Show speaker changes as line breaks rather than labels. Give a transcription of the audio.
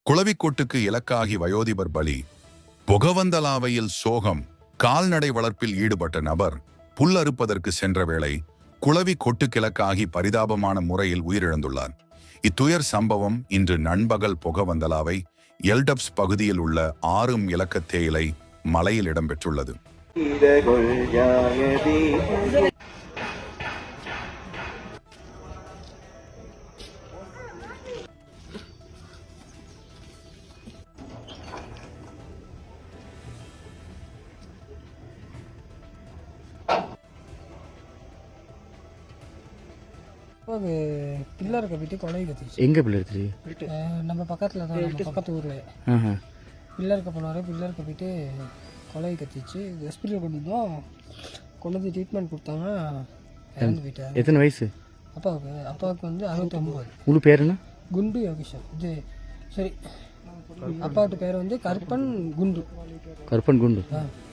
குளவிக்கொட்டுக்கு இலக்காகி வயோதிபர் பலி. பொகவந்தலாவையில் சோகம். கால்நடை வளர்ப்பில் ஈடுபட்ட நபர் புல் அறுப்பதற்கு சென்ற வேளை குளவி கொட்டுக்கிழக்காகி பரிதாபமான முறையில் உயிரிழந்துள்ளார். இத்துயர் சம்பவம் இன்று நண்பகல் பொகவந்தலாவை எல்டப்ஸ் பகுதியில் உள்ள 6 இலக்க தேயிலை மலையில் இடம்பெற்றுள்ளது.
அது பில்லர் கட்டிட்டு கொலை கத்திச்சு.
எங்கே பில்லர் எடுத்துச்சு?
நம்ம பக்கத்தில் தான், நம்ம பக்கத்து ஊரில் பில்லர் போனார். பில்லர் கட்டிட்டு கொலை கத்திச்சு. ஹாஸ்பிட்டல் கொண்டு வந்தோம். கொண்டு வந்து ட்ரீட்மெண்ட் கொடுத்தாங்க. இறந்து போயிட்டார்.
எத்தனை வயசு
அப்பாவுக்கு வந்து 69.
உங்களுக்கு பேர் என்ன?
குண்டு யோகேஷன். இது சரி, அப்பாவோட பேர் வந்து கருப்பன் குண்டு.
கருப்பன் குண்டு.